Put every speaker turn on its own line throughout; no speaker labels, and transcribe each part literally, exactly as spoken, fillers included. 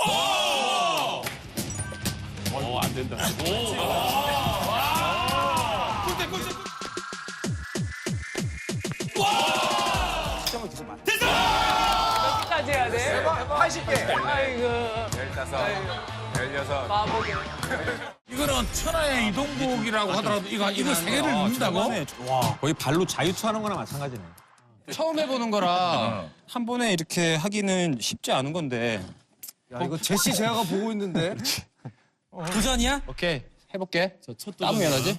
오, 안 된다. 오. 꿀대, 꿀대.
까지 해야 돼?
팔십 개.
아이고.
열다섯. 열여섯.
바보게.
이거는 천하의 이동국이라고 하더라도 이거 이거 세 개를 넣는다고?
와, 거의 발로 자유투하는 거나 마찬가지네.
처음 해보는 거라 한 번에 이렇게 하기는 쉽지 않은 건데.
야, 이거 제시 제아가 보고 있는데.
도전이야? 오케이, 해볼게. 땀 면하지?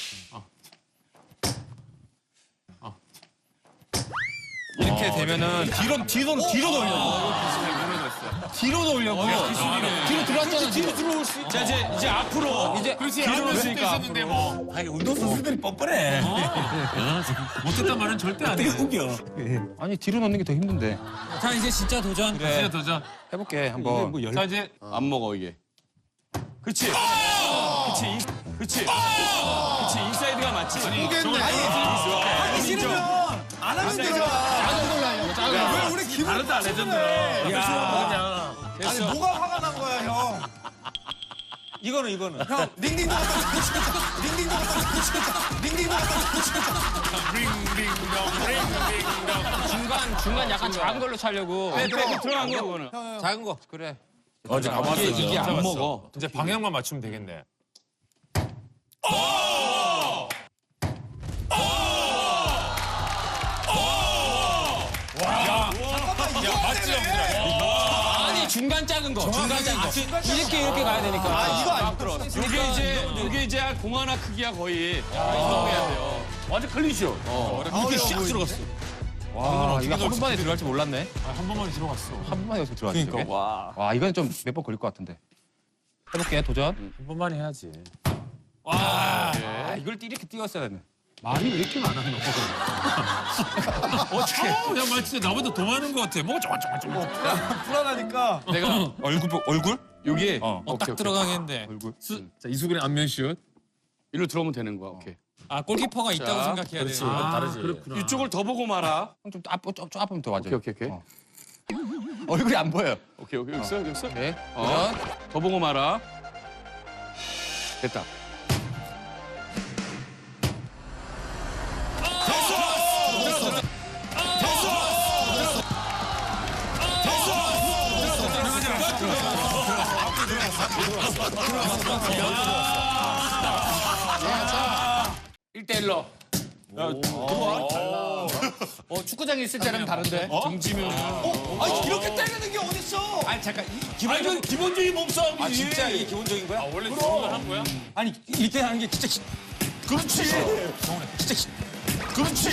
이렇게 되면은 뒤로 뒤로 뒤로 돌려. 뒤로 돌려고. 뒤로 들어왔잖아. 뒤로 들어올 수 있. 자 이제 이제 앞으로 이제 뒤로 올수니까.
있었는데 뭐. 아니 운동 선수들이 뻔뻔해. 못했단 말은 절대 안 해. 웃겨.
아니 뒤로 넣는 게 더 힘든데.
자, 이제 진짜 도전.
그래.
진짜 도전.
해볼게 한번.
자 이제
안 먹어, 이게. 그렇지. 그렇지. 인- 그렇지. 그렇지. 인사이드가 맞지. 아니,
하기 싫으면 안 하면 되잖아. 왜 우리 기분
다르다 레전드. 야.
아니 뭐가 화가 난 거야 형?
이거는 이거는.
형 링딩동 갖다 놓치겠다. 링딩동 갖다 놓치겠다. 링딩동 갖다 놓치겠다.
중간 중간 약간 작은 걸로 차려고.
빼, 빼, 들어간 거, 그거는.
작은 거. 그래.
어제 가봤어.
이게 이게 안 먹어.
이제 방향만 맞추면 되겠네.
아니 중간 작은 거. 중간 작은 거. 이렇게 이렇게 가야 되니까. 아 이거 안 들어.
이게 이제, 이게 이제 공 하나 크기야, 거의. 이동해야 돼요.
완전 클리쇼.
이렇게 샥 들어갔어. 와 이거 한 번만에 들어갈 줄 몰랐네.
한 번만에 들어갔어.
한 번만에 여기서 들어갔네. 그러니까. 와. 와 이건 좀 몇 번 걸릴 것 같은데. 해볼게 도전.
한 번만 해야지.
아 이걸 이렇게 띄웠어야 되네.
말이 왜 이렇게 많아 너? 어떻게? 야, 말 진짜 나보다 더 많은 것 같아. 뭐가 저거 저거 저거.
불안하니까.
내가
얼굴 보- 얼굴?
여기
어.
딱 들어가겠는데.
얼굴.
자 이수근의 안면슛.
일로 들어오면 되는 거야, 오케이.
아, 골키퍼가 있다고
자,
생각해야 돼.
아, 다르지. 그렇구나.
이쪽을 더 보고 말아.
좀 앞, 좀, 좀 앞으면 더 맞아.
오케이, 오케이, 오케이.
어. 얼굴이 안 보여.
오케이, 오케이. 여기 있어, 여기 있어.
네.
어.
도전.
더 보고 말아. 됐다.
일 대 일로. 어, 축구장에 있을 때랑 다른데.
등지면.
아니 이렇게 때리는 게 어딨어?
아니 잠깐. 이,
기본적인 기본적인 몸싸움이지.
아 진짜 이게 기본적인 거야?
원래 그런 한 거야?
아니 이렇게 하는 게 진짜. 기-
그렇지.
진짜. 기-
그렇지.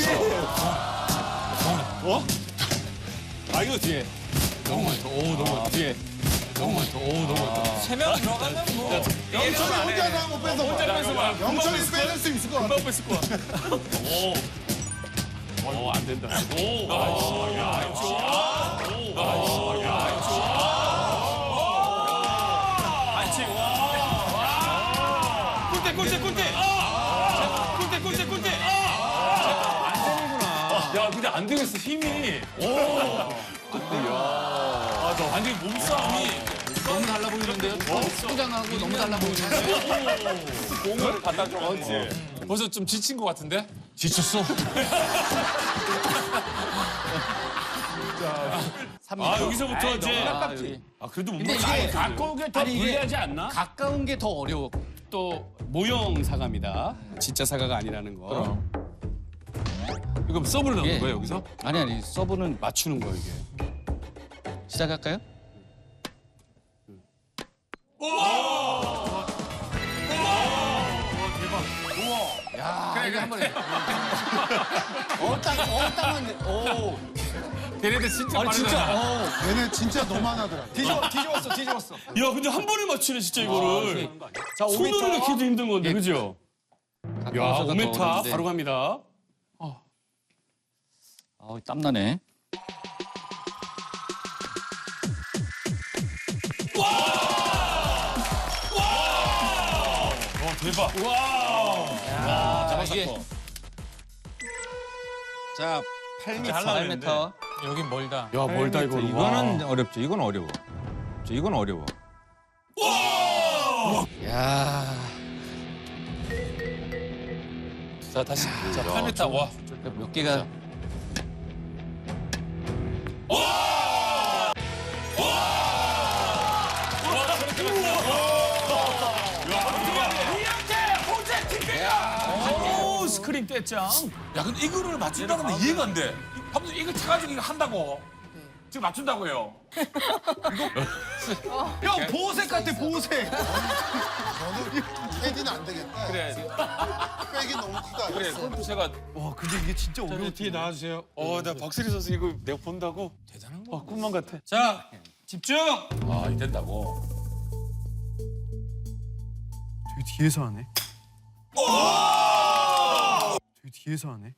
아, 이거 뒤에. 너무 많다. 오, 너무 많다. 뒤에. 너무 많다. 오, 너무 많다.
세 명 들어가면 뭐.
영철이 혼자서 한번 뺏어. 혼자 뺏어 봐. 영철이 뺏을 수 있을 것 같아.
금방 뺐을 거야. 오. 오, 안 된다. 오. 아, 야, 반칙. 꿀대, 꿀대, 꿀대. 꿀대, 꿀대, 꿀대. 안 되는구나. 야, 근데 안 되겠어, 힘이. 오. 아, 너 완전 몸싸움이.
너무 달라 보이는데요? 축구장하고 너무 달라 보이는데.
공을 갖다 줘.
벌써 좀 지친 것 같은데?
지쳤어.
아, 여기서부터 이제.
가깝지.
아, 그래도 못
근데
맞아.
이게
가까운 게 더
아니, 이게
불리하지 않나?
가까운 게 더 어려워.
또 모형 사과입니다. 진짜 사과가 아니라는 거.
이거 서브를 넣는
예.
거야 여기서?
아니 아니 서브는
맞추는 거 이게.
시작할까요? 야, 이거 한 번에. 어, 딱, 어, 딱만 오.
걔네들 진짜
아니
빠르다.
진짜. 어, 얘네 진짜 너만하더라.
뒤집어, 뒤집었어, 뒤집었어.
야, 근데 한 번에 맞추네 진짜 이거를.
자,
손으로 이렇게 해도 힘든 건데, 그죠? 야, 오 미터 바로 갑니다.
아, 땀나네.
어 대박.
자, 이게. 자, 팔 미터. 팔 미터.
여긴 멀다.
야, 멀다 이거.
이거는 어렵죠. 이건 어려워. 이건 어려워.
야.
자 다시. 자 팔 미터. 와.
몇 개가.
오 스크린 떼짱. 야 근데 이거를 맞춘다는 게 이해가 안 돼. 한번 이거 쳐가지고 이거 한다고. 지금 맞춘다고요.
형 보호색 같아 보호색.
저는 패디는 안 되겠다.
그래.
백이 너무 크다.
그래. 골프 제가.
와 근데 이게 진짜 어려워.
뒤에 나와주세요. 어, 나 박세리 선수 이거 내가 본다고. 대단한 거. 아, 꿈만 같아.
자 집중.
아, 이 된다고.
저기 뒤에서 하네. 저기 뒤에서 하네.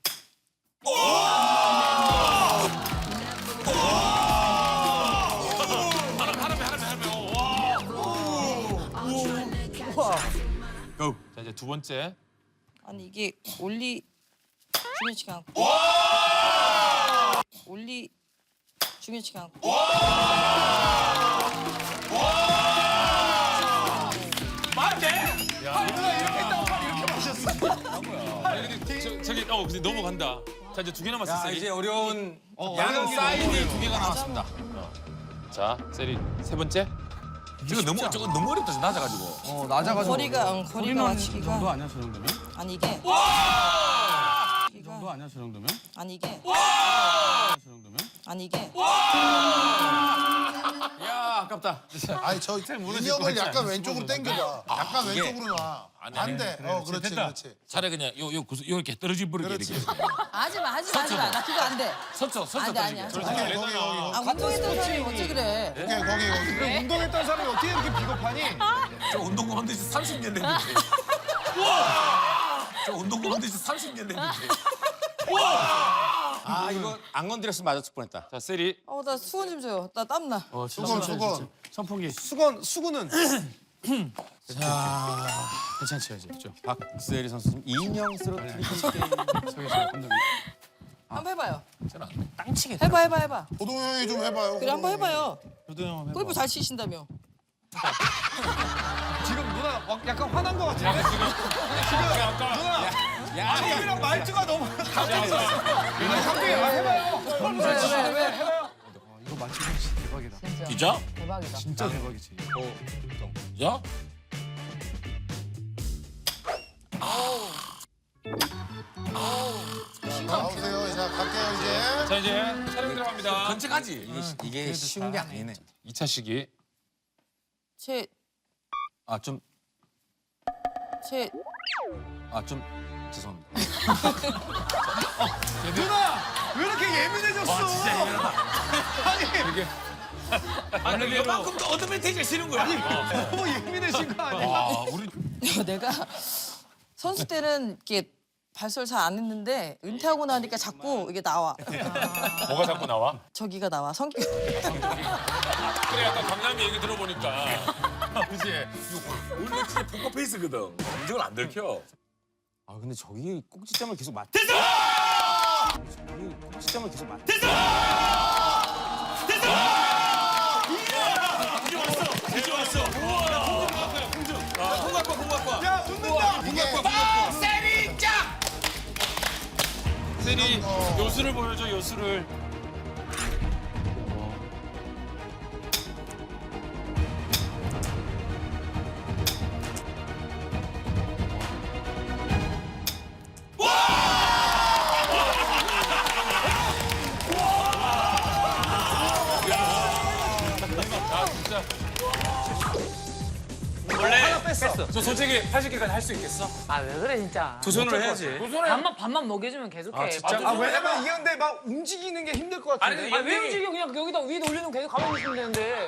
고. 자 이제 두 번째.
아니 이게 올리 중요치가 않고 올리 중요치가 않고
저, 저기 어 근데 넘어간다. 자 이제 두 개 남았어.
자
세리.
이제 어려운
양 사이드 두 개가 남았습니다. 자 세리 세 번째.
이거 너무 저거 너무 어렵다 낮아가지고.
어 낮아가지고.
거리가 응, 거리가 맞추기가
아니야 저 정도면?
아니 이게
너
거리가
아니야 저 정도면?
아니 이게
저 정도면?
아니 이게
야 아깝다.
아니 저 인형을 약간 왼쪽으로 당겨봐. 약간 왼쪽으로 놔. 반대. 어 그렇지 그렇지.
차라리 그냥 요요 요 이렇게 떨어질 버리게 이렇게.
하지마 하지마 하지마 나 그거 안돼
서쳐 서쳐
안돼 아니야
거기 거기 거기.
아 운동했던 사람이 어째 그래
오케이 거기 거기.
운동했던 사람이 어떻게 이렇게 비겁하니?
저 운동 그만둔 지 삼십 년 됐는데. 저 운동 그만둔 지 삼십 년 됐는데.
아 이거 안 건드렸으면 맞았을 뻔했다.
자 세리.
어나 수건 좀 줘요 나 땀나
수건 수건.
선풍기.
수건 수건은
괜찮지 아직. 박세리 선수님 인형 쓰러뜨리기
한번 해봐요
땅치게.
해봐 해봐 해봐
호동 형이 좀 해봐요.
그래 한번 해봐요
저도 형 해봐.
골프 잘 치신다며
지금 누나 막 약간 화난 거 같은데? 지금 누나 형이랑 말투가 너무 갑자기 갑자기 아, 해봐요.
왜왜
해봐요. 이거 맞추면 진짜 대박이다.
기자?
대박이다
진짜 대박이지.
야?
나오세요. 자 갈게요 이제.
자 이제 촬영 들어갑니다.
건책하지.
이게 쉬운 게 아니네.
이 차 시기.
제
아 좀
제
아 좀 죄송합니다.
누나 왜 이렇게 예민해졌어?
와 진짜 예민하다.
아니
아니 이만큼 또 어드밴티지가 싫은 거야.
너무 예민해진 거 아니야?
와 우리
내가 선수 때는 이렇게 발설 잘 안 했는데 은퇴하고 나니까 자꾸 이게 나와.
뭐가 자꾸 나와?
저기가 나와. 성격.
그래 아까 강남이 얘기 들어보니까.
그지. 원래 진짜 포커 페이스거든. 인정을 안 들켜.
아 근데 저기 꼭지점을 계속 맞. 됐어! 저기 꼭지점을 계속 맞.
이제 왔어. 우와. 공중 갖고 와. 공중. 공 갖고 와. 공 갖고 와.
야 웃는다.
이게
세리 짱!
세리 요수를 보여줘 요수를. 저 솔직히 팔십 개까지 할 수 있겠어?
아 왜 그래 진짜.
도전을 해야지.
밥만 밥만 먹여주면 계속해.
진짜?
아 왜냐면 이게 근데 막 움직이는 게 힘들 것 같은데.
아, 왜 움직여? 그냥 여기다 위에 올리면 계속 가만히 있으면 되는데.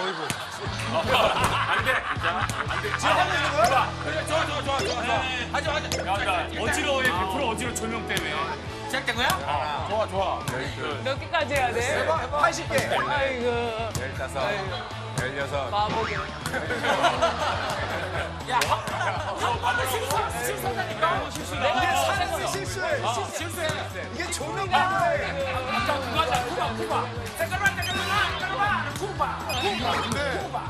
안 돼. 안 돼. 지금 하고 있는 거야? 그래, 좋아, 좋아, 좋아, 좋아, 좋아. 하자, 하자. 야, 나 어지러워해. 백 퍼센트 어지러워 조명 때문에.
시작된 거야?
어, 좋아, 좋아.
몇 개까지 해야 돼?
팔십 개.
아이고
열다섯, 열여섯.
바보게. 야, 한번 실수 실수한다니까. 내가
사람이 실수해.
실수해.
이게 조명 때문에.
아까 그거 하자. 쿠바 쿠바. 잠깐만 잠깐만 잠깐만. 쿠바 쿠바.
근데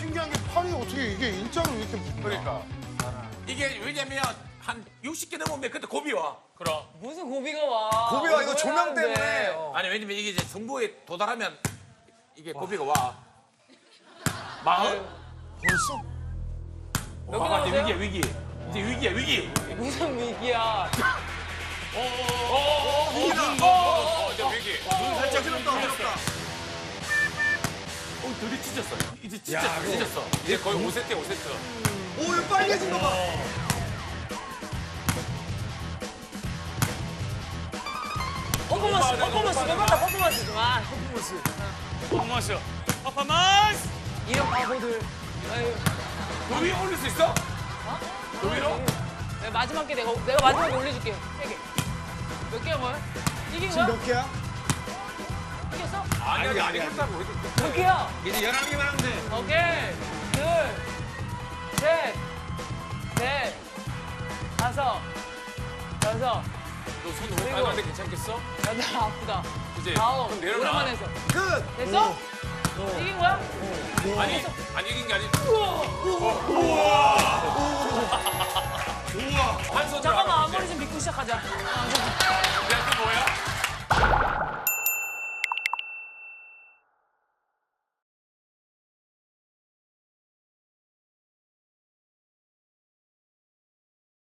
신기한 게 팔이 어떻게 이게 일자로 이렇게
그러니까. 이게 왜냐면 한 육십 개 넘으면 그때 고비 와. 그럼.
무슨 고비가 와.
고비가 이거 조명
하는데.
때문에. 어.
아니 왜냐면 이게 이제 정보에 도달하면 이게 고비가 와. 마흔?
벌써?
여기
와, 이제
나오세요?
위기야 위기. 이제 위기야 위기.
무슨 위기야.
어어어어 위기다. 어어어 이제 위기. 눈 살짝
어지럽다 어지럽다.
어 드디 찢었어. 이제 진짜 찢었어. 이제 거의 오 세트야 오 세트.
오 이거 빨개진 거 봐.
퍼포먼스, 퍼포먼스, 너무다 퍼포먼스 좀. 아,
퍼포먼스. 퍼포먼스.
이런 바보들. 아유,
그 위에 올릴 수 있어? 그 위로?
내가 마지막 게 내가 내가 마지막에 올려줄게. 세 개. 몇 개야 뭐야? 이긴 거야?
몇 개야?
이겼어?
아니 아니 아니 그렇다고 우리도.
몇 개야?
이제 열한 개만 하면 돼.
오케이. 둘, 셋, 넷, 다섯, 여섯,
너손 너무 빨간데 괜찮겠어?
여덟, 아프다.
이제
아홉.
그럼 내려놔.
오랜만에 했어.
끝.
됐어? 이긴 거야?
아니 아니 이긴 게 아니. 한 손으로
잠깐만
하면
앞머리 좀 빗고 시작하자. 아,